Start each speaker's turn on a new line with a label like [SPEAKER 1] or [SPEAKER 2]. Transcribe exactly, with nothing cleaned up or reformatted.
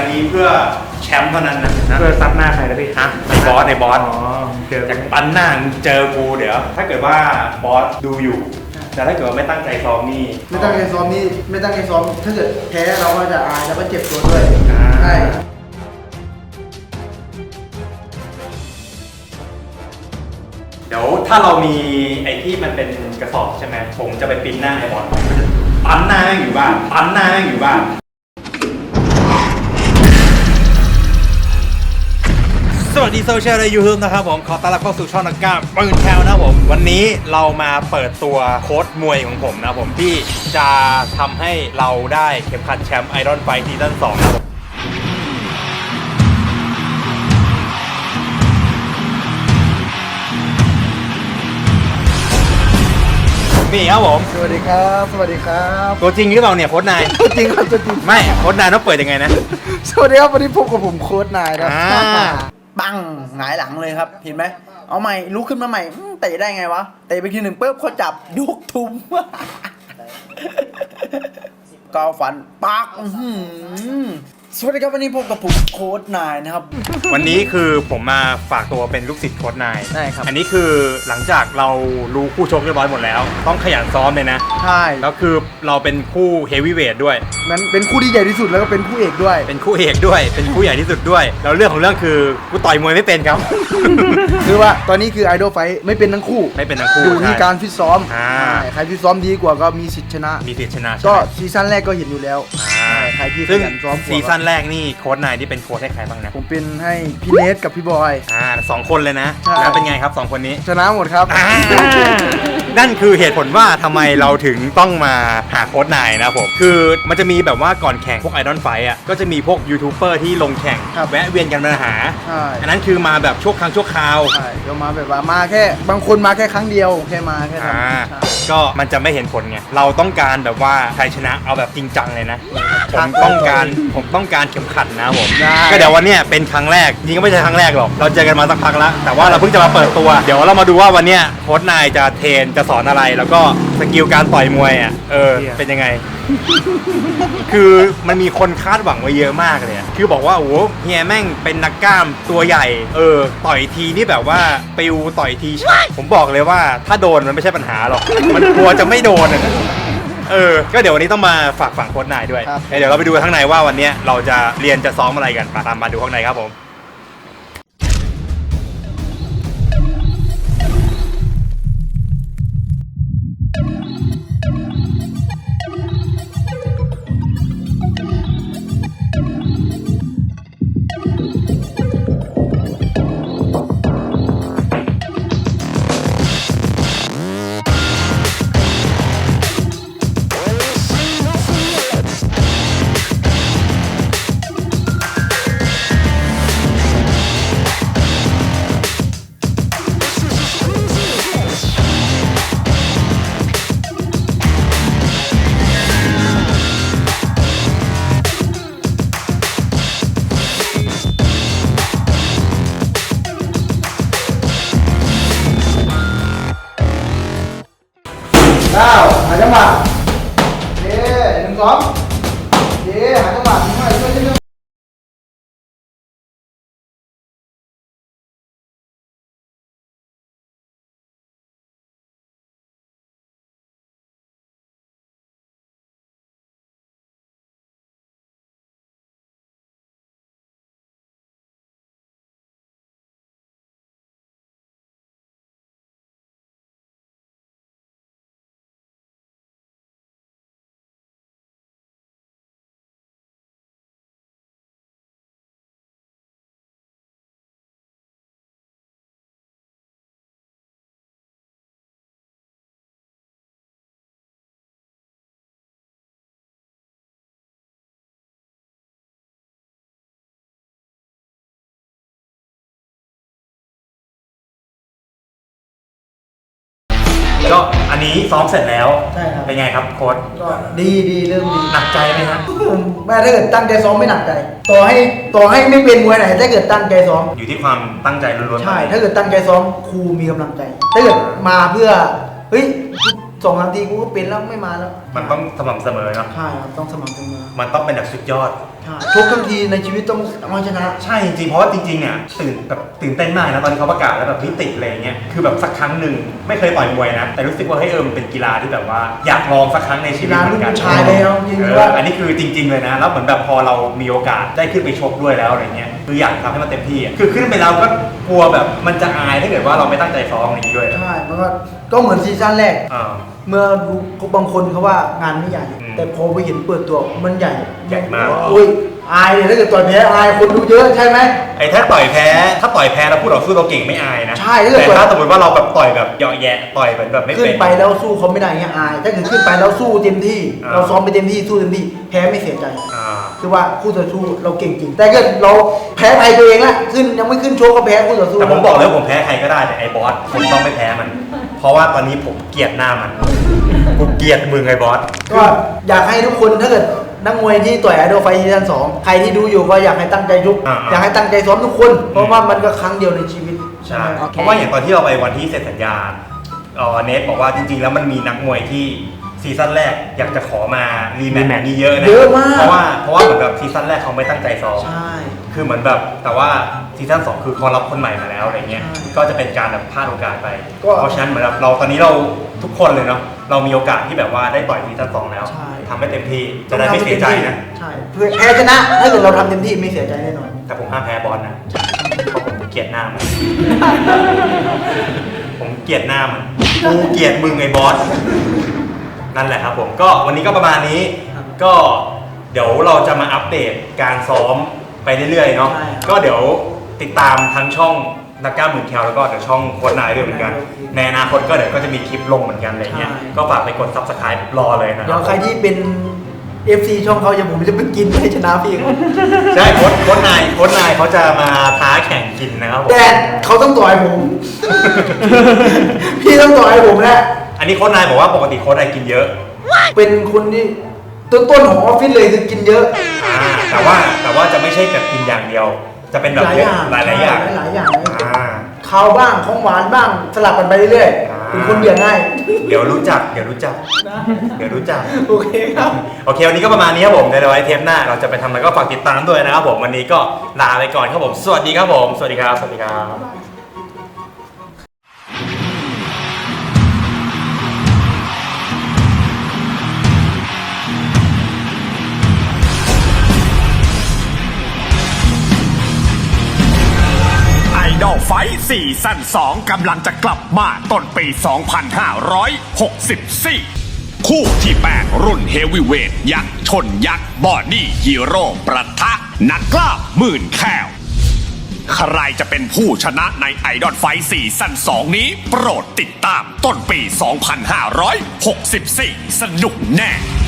[SPEAKER 1] นี้เพื่อแชมป์เท่านั้นนะ
[SPEAKER 2] เพื่อซับหน้าใครนะพี่
[SPEAKER 1] ฮะในบอสในบอส
[SPEAKER 2] อ๋อเจอ
[SPEAKER 1] จากปั้นหน้าเจอกูเดี๋ยวถ้าเกิดว่าบอสดูอยู่แต่ถ้าเกิดว่าไม่ตั้งใจซ้อมนี่
[SPEAKER 3] ไม่ตั้งใจซ้อมนี่ไม่ตั้งใจซ้อมถ้าเกิดแพ้เราก็จะอายแล้วก็เจ็บตัวด้วยใช่
[SPEAKER 1] เดี๋ยวถ้าเรามีไอ้ที่มันเป็นกระสอบใช่ไหมผมจะไปปิ้นหน้าไอ้บอลปั้นหน้าอยู่บ้านปั้นหน้าอยู่บ้านสวัสดีโซเชียลใน ยูทูบ นะครับผมขอต้อนรับเข้าสู่ช่องนักกล้ามปืนแคลนะครับผมวันนี้เรามาเปิดตัวโค้ชมวยของผมนะผมที่จะทำให้เราได้เข็มขัดแชมป์ไอรอนไฟท์ซีซั่นสองนะครับนี่ครับผม
[SPEAKER 3] สวัสดีครับสวัสดีครับ
[SPEAKER 1] ตัวจริงหรือเปล่าเนี่ยโค้ชนาย
[SPEAKER 3] ตัวจริงครับตัวจริง
[SPEAKER 1] ไม่โค้ชนายต้องเปิดยังไงนะ
[SPEAKER 3] สวัสดีครับวันนี้พบกับผมโค้ชนายนะ
[SPEAKER 1] อ่า
[SPEAKER 3] ปังหงายหลังเลยครับเห็นไหมเอาใหม่ลุกขึ้นมาใหม่เตะได้ไงวะเตะไปทีหนึ่งปุ๊บเขาจับยกทุมกาวฟันปักสวัสดีครับวันนี้พบกับผมโค้ชนายนะครับ
[SPEAKER 1] วันนี้คือผมมาฝากตัวเป็นลูกศิษย์โค้ชนาย
[SPEAKER 3] ใช่ครับ
[SPEAKER 1] อันนี้คือหลังจากเรารู้คู่ชกเรียบร้อยหมดแล้วต้องขยันซ้อมเลยนะ
[SPEAKER 3] ใช่
[SPEAKER 1] แล้วคือเราเป็นคู่เฮฟวีเวทด้วย
[SPEAKER 3] นั้นเป็นคู่ที่ใหญ่ที่สุดแล้วก็เป็นคู่เอกด้วย
[SPEAKER 1] เป็นคู่เอกด้วยเป็นคู่ใหญ่ที่สุดด้วยแล้วเรื่องของเรื่องคือกูต่อยมวยไม่เป็นครับ
[SPEAKER 3] คือว่าตอนนี้คือไอดอลไฟท์ไม่เป็นทั้งคู่
[SPEAKER 1] ไม่เป็นทั้งคู่
[SPEAKER 3] อยู่ที่การฟิตซ้อมใครฟิตซ้อมดีกว่าก็มีสิทธิชนะ
[SPEAKER 1] มีสิทธิชนะ
[SPEAKER 3] ก็ซีซั่นแรกก็เห็นอยู่แล้วใครที่ขยันซ้อม
[SPEAKER 1] ซีซั่นแรกนี่โค้ชนายที่เป็นโค้ชให้ใครบ้างนะ
[SPEAKER 3] ผมเป็นให้พี่เนทกับพี่บอย
[SPEAKER 1] อ่าสองคนเลยนะแล้วเป็นไงครับสองคนนี้
[SPEAKER 3] ชนะหมดครับ
[SPEAKER 1] นั่นคือเหตุผลว่าทำไมเราถึงต้องมาหาโค้ชนายนะผมคือมันจะมีแบบว่าก่อนแข่งพวกไอดอลไฟท์อ่ะก็จะมีพวกยูทูบเบอร์ที่ลงแข่งแวะเวียนกันมาหาอันนั้นคือมาแบบชั่วครั้งชั่วคราว
[SPEAKER 3] ใช่ก็มาแบบว่ามาแค่บางคนมาแค่ครั้งเดียวแค่มาแค่นั้น
[SPEAKER 1] ก็มันจะไม่เห็นผลไงเราต้องการแบบว่าชัยชนะเอาแบบจริงจังเลยนะผมต้องการผมต้องการเข็มขัดนะผมก็เดี๋ยววันนี้เป็นครั้งแรกจริงก็ไม่ใช่ครั้งแรกหรอกเราเจอกันมาสักพักแล้วแต่ว่าเราเพิ่งจะมาเปิดตัวเดี๋ยวเรามาดูว่าวันนี้โค้ชนายจะเทรนจะสอนอะไรแล้วก็สกิลการต่อยมวยอ่ะเออเป็นยังไงคือมันมีคนคาดหวังไว้เยอะมากเลยคือบอกว่าโอ้เฮียแม่งเป็นนักกล้ามตัวใหญ่เออต่อยทีนี่แบบว่าปิวต่อยทีผมบอกเลยว่าถ้าโดนมันไม่ใช่ปัญหาหรอกมันกลัวจะไม่โดนเออก็เดี๋ยววันนี้ต้องมาฝากฝั่งโค้ชนายด้วยเดี๋ยวเราไปดูข้างในว่าวันนี้เราจะเรียนจะซ้อมอะไรกันตามมาดูข้างในครับผม
[SPEAKER 3] เก้าหาจังหวะเย้หนึ่งสองเย้หาจังหวะหน่อยช่วยนิดนึง
[SPEAKER 1] ก็อันนี้ซ้อมเสร็จแล้ว
[SPEAKER 3] ใช่ครับ
[SPEAKER 1] เป็นไงครับโค้ช
[SPEAKER 3] ก็ดีดีเริ่มดี
[SPEAKER 1] หนักใจไหมครับ
[SPEAKER 3] แม่ถ้าเกิดตั้งใจซ้อมไม่หนักใจต่อให้ต่อให้ไม่เป็นมวยไหนถ้าเกิดตั้งใจซ้อม
[SPEAKER 1] อยู่ที่ความตั้งใจล้วนๆ
[SPEAKER 3] ใช่ถ้าเกิดตั้งใจซ้อมครูมีกำลังใจถ้าเกิดมาเพื่อเฮ้ยสองนาทีกูก็เป็นแล้วไม่มาแล้ว
[SPEAKER 1] มันต้องสม่ำเสมอเนาะ
[SPEAKER 3] ใช่ครับต้องสม่ำเสมอ
[SPEAKER 1] มันต้องเป็นแบบสุดยอด
[SPEAKER 3] ทุกทั้งทีในชีวิตต้องเอาชนะ
[SPEAKER 1] ใช่จริงๆเพราะว่าจริงๆเนี่ยตื่นแบบตื่นเต้นมากนะตอนที่เขาประกาศแล้วแบบนิติอะไรเงี้ยคือแบบสักครั้งหนึ่งไม่เคยต่อยมวยนะแต่รู้สึกว่าเฮ้ยเออมันเป็นกีฬาที่แบบว่าอยากลองสักครั้งในชีวิตเหมือนกัน
[SPEAKER 3] กีฬาลูกผู้ชายเลยเอาจริงๆ
[SPEAKER 1] เออ
[SPEAKER 3] ว่า
[SPEAKER 1] อันนี้คือจริง ๆเลยนะแล้วเหมือนแบบพอเรามีโอกาสได้ขึ้นไปชกด้วยแล้วอะไรเงี้ยคืออยากทำให้มันเต็มที่อะคือขึ้นไปแล้วก็กลัวแบบมันจะอายถ้าเกิดว่าเราไม่ตั้งใจซ้อมอะไรอย่างงี้ด้วย
[SPEAKER 3] ใช่มันก็ก็เหมือนซีซั่นแรก
[SPEAKER 1] อ่า
[SPEAKER 3] เมื่อดูบางคนเขาว่างานไม่ใหญ่
[SPEAKER 1] อืม
[SPEAKER 3] แต่พอไปเห็นเปิดตัวมันใหญ่
[SPEAKER 1] ใหญ่มาก
[SPEAKER 3] อุ้ยอายเลยถ้าเกิดต่อยแพ้อายคนดูเยอะใช่ไหม
[SPEAKER 1] ไอ้ถ้าต่อยแพ้ถ้าต่อยแพ้เราพูดเราสู้เราเก่งไม่อายนะ
[SPEAKER 3] ใช่ถ้าเกิด
[SPEAKER 1] แต่ถ้าสมมติว่าเราแบบต่อยแบบเหยาะแยะต่อยแบบแบบไม่
[SPEAKER 3] ขึ้
[SPEAKER 1] เป็น น
[SPEAKER 3] ไปแล้วสู้เขาไม่ได้เงี้ยอายถ้าเกิดขึ้นไปแล้วสู้เต็มที่
[SPEAKER 1] อ่า
[SPEAKER 3] เราซ้อมไปเต็มที่สู้เต็มที่แพ้ไม่เสียใจ
[SPEAKER 1] อ่า
[SPEAKER 3] คือว่าคู่ต่อสู้เราเก่งจริง แต่เกิดเราแพ้ใครตัวเองละขึ้นยังไม่ขึ้นโชว์ก็แพ้คู่ต่อสู้
[SPEAKER 1] แต่ผมบอกเลยว่าผมแพ้ใครก็ได้แต่ไอ้บอสผมต้องไม่แพ้มัน เพราะว่าตอนนี้ผมเกลียดหน้ามันกูเกลียดมึงไอ้บอส
[SPEAKER 3] ก็อยากให้ทุกคนถ้าเกิดนักมวยที่ต่อยไอดอลไฟท์ซีซั่นสองใครที่ดูอยู่ก็อยากให้ตั้งใจยุก
[SPEAKER 1] อ่าๆ
[SPEAKER 3] อยากให้ตั้งใจซ้อมทุกคน เพราะว่ามันก็ครั้งเดียวในชีวิต
[SPEAKER 1] ใช่
[SPEAKER 3] ไหม
[SPEAKER 1] เพราะว่าอย่างตอนที่เราไปวันที่เซ็นสัญญาเออเนทบอกว่าจริงๆแล้วมันมีนักมวยที่ซีซั่นแรกอยากจะขอมารีแมตช์นี้เยอะนะ
[SPEAKER 3] เยอะมาก
[SPEAKER 1] เพราะว่าเพราะว่าเหมือนแบบซีซั่นแรกเขาไม่ตั้งใจซ้อม
[SPEAKER 3] ใช่
[SPEAKER 1] คือเหมือนแบบแต่ว่าซีซั่นสองคือเขารับคนใหม่มาแล้วอะไรเงี้ย
[SPEAKER 3] ใช่
[SPEAKER 1] ก็จะเป็นการแบบพลาดโอกาสไป
[SPEAKER 3] ก็
[SPEAKER 1] เพราะฉะนั้นเหมือนแบบเราตอนนี้เราทุกคนเลยเนาะเรามีโอกาสที่แบบว่าได้ต่อยซีซั่นสองแล้ว
[SPEAKER 3] ใช่
[SPEAKER 1] ทำให้เต็มที่จะได้ไม่เสียใจนะ
[SPEAKER 3] ใช่เพื่อแพ้ชนะถ้าเกิดเราทำเต็มที่ไม่เสียใจแน่นอน
[SPEAKER 1] แต่ผมห้ามแพ้บอลนะเพราะผมเกลียดหน้ามัน ผมเกลียดหน้ามันกูเกลียดมึงไอ้บอสนั่นแหละครับผมก็วันนี้ก็ประมาณนี้
[SPEAKER 3] ครับ
[SPEAKER 1] ก็เดี๋ยวเราจะมาอัปเดตการซ้อมไปเรื่อยๆเนาะ
[SPEAKER 3] ใช่ครับ
[SPEAKER 1] ก็เดี๋ยวติดตามทั้งช่องนักกล้ามหมื่นแคลแล้วก็เดี๋ยวช่องโค้ชนายด้วยเหมือนกัน ในอนาคตก็เดี๋ยวก็จะมีคลิปลงเหมือนกันอะไรเงี้ย
[SPEAKER 3] ใช่
[SPEAKER 1] ก็ฝากไปกด ซับสไครบ์ รอเลยนะค
[SPEAKER 3] เดี๋
[SPEAKER 1] รั
[SPEAKER 3] ยว
[SPEAKER 1] บ
[SPEAKER 3] ใครที่เป็น เอฟ ซี ช่องเขาอย่างผมจะไปกินให้ชนะพี่เขา
[SPEAKER 1] ใช่โค้ชโค้ชนายโค้ชนายเขาจะมาท้าแข่งกินนะครับผม
[SPEAKER 3] แต่เขาต้องต่อยผม พี่ต้องต่อยผมแหละ
[SPEAKER 1] อันนี้โค้ชนายบอกว่าปกติโค้ชนายกินเยอะ
[SPEAKER 3] เป็นคนที่ต้นๆของออฟฟิศเลยคือกินเยอะ
[SPEAKER 1] อ่าแต่ว่าแต่ว่าจะไม่ใช่แบบกินอย่างเดียว จะเป็นแบบ
[SPEAKER 3] หลายอย่าง
[SPEAKER 1] หลายหลายๆอย่าง
[SPEAKER 3] หลายๆอย่าง
[SPEAKER 1] อ่า
[SPEAKER 3] ข้าวบ้างของหวานบ้างสลับกันไปเรื่อย
[SPEAKER 1] อ่า
[SPEAKER 3] ๆเป็นคนเบี่ยงง่าย
[SPEAKER 1] เดี๋ยวรู้จักเดี๋ยวรู้จัก เดี๋ยวรู้จัก
[SPEAKER 3] โอเคครับ
[SPEAKER 1] โอเควันนี้ก็ประมาณนี้ครับผมเดี๋ยวไว้เทปหน้าเราจะไปทำอะไรก็ฝากติดตามด้วยนะครับผมวันนี้ก็ลาไปก่อนครับผมสวัสดีครับผมสวัสดีครับสวัสดีครับ
[SPEAKER 2] ไอดอลไฟท์ซีซั่นสองกำลังจะกลับมาต้นปี สองพันห้าร้อยหกสิบสี่ คู่ที่แปดรุ่นเฮฟวีเวทยักษ์ชนยักษ์บอดี้ฮีโร่ประทะนักกล้าหมื่นแคลใครจะเป็นผู้ชนะในไอดอลไฟท์ซีซั่นสองนี้ โปรดติดตามต้นปี สองพันห้าร้อยหกสิบสี่ สนุกแน่